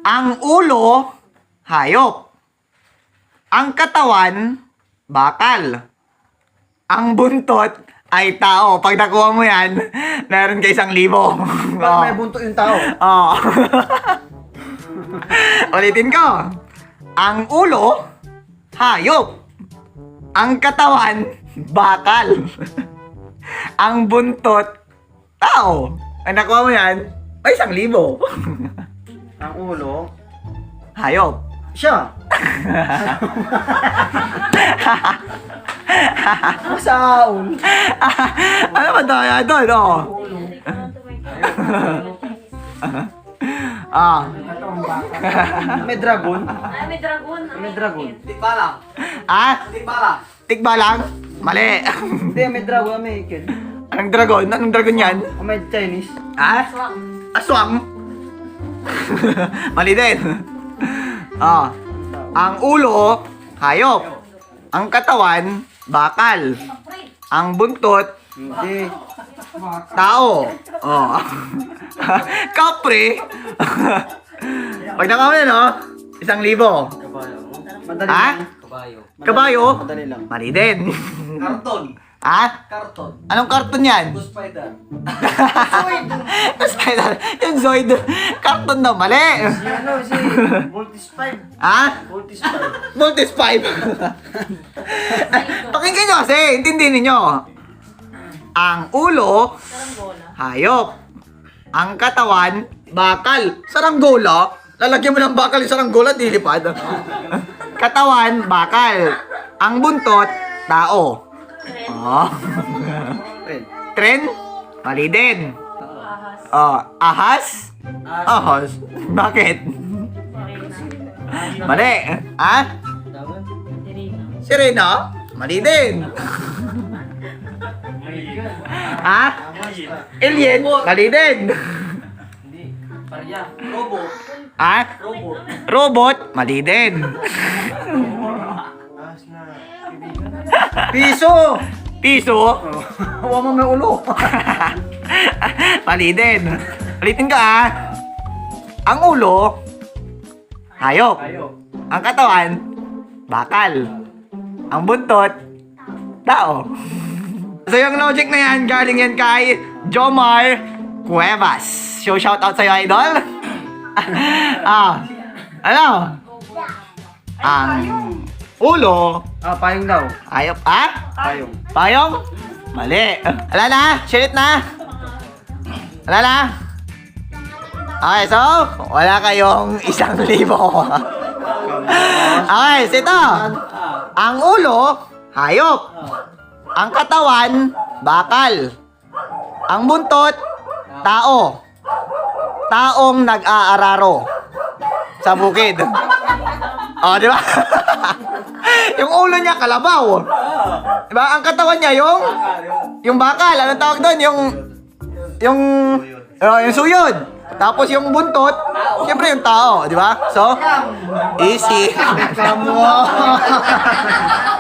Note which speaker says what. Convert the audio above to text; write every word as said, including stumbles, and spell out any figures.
Speaker 1: Ang ulo, hayop. Ang katawan, bakal. Ang buntot ay tao. Pag nakuha mo yan, meron ka isang libo.
Speaker 2: Parang may buntot yung tao.
Speaker 1: Oo. Ulitin ko. Ang ulo, hayop. Ang katawan, bakal. Ang buntot, tao. Ay, nakuha mo yan, ay isang libo.
Speaker 2: Ang ulo,
Speaker 1: Hayop.
Speaker 2: siya. Masaon.
Speaker 1: Ano ba tayo doon? Oh. Ah.
Speaker 2: May dragon.
Speaker 3: Ay, may dragon.
Speaker 2: May dragon.
Speaker 1: Ah? Tikba lang? Mali.
Speaker 2: Hindi, may dragon. May kid.
Speaker 1: Anong dragon? Anong dragon yan?
Speaker 2: O may Chinese.
Speaker 1: Ah? Aswang? Mali din. Ah. Ang ulo, hayop. Ang katawan, bakal. Ang buntot,
Speaker 2: Hindi.
Speaker 1: tao. Oh. Kapre. Pag nakamali, no? Isang libo.
Speaker 2: Madali
Speaker 1: Ha?
Speaker 2: lang.
Speaker 1: Kabayo?
Speaker 2: Madali lang.
Speaker 1: Mali din.
Speaker 4: Karton.
Speaker 1: Ha?
Speaker 4: Karton.
Speaker 1: Anong karton yan?
Speaker 4: Spider.
Speaker 1: Spider. Yung Zoid. Karton daw. Mali.
Speaker 2: Si ano, si Voltis five.
Speaker 1: Ha?
Speaker 2: Voltis five.
Speaker 1: Voltes five. Pakinggan nyo kasi. Intindihin ninyo. Ang ulo, hayop. Ang katawan, bakal. Saranggola? Lalagyan mo ng bakal yung saranggola, dilipad. Katawan, bakal. Ang buntot, tao. Oh.
Speaker 2: Friend.
Speaker 1: Tren? Mali din. Oh, ahas? Ahas. Bakit? Mali. Ha? Sirena? Mali din. Ha? Alien? Mali din.
Speaker 4: Parya. Robo.
Speaker 1: Ha?
Speaker 4: Robo.
Speaker 1: Robot? Mali din.
Speaker 2: Piso!
Speaker 1: Piso?
Speaker 2: Huwag mo may ulo.
Speaker 1: Mali din. Ulitin ka ah. Ang ulo, hayop. Ang katawan, bakal. Ang buntot, tao. So yung logic na yan, galing yan kay Jomar Cuevas. So shoutout sa'yo, idol. Ah, ano? Ang ulo,
Speaker 2: Ah, payong daw.
Speaker 1: hayop, ah?
Speaker 2: Payong.
Speaker 1: Payong? Mali. Wala na? Shit na? Wala na? Okay, so, wala kayong isang libo. Okay, so ito. Ang ulo, hayop. Ang katawan, bakal. Ang buntot, tao. Taong nag-aararo sa bukid. Oh, di ba? Yung ulo niya, kalabaw. Di ba? Ang katawan niya, yung... Yung bakal. Anong tawag doon? Yung... Yung... Oh, yung suyod. Tapos yung buntot, siyempre yung tao. Di ba? So, easy.
Speaker 2: Kamu.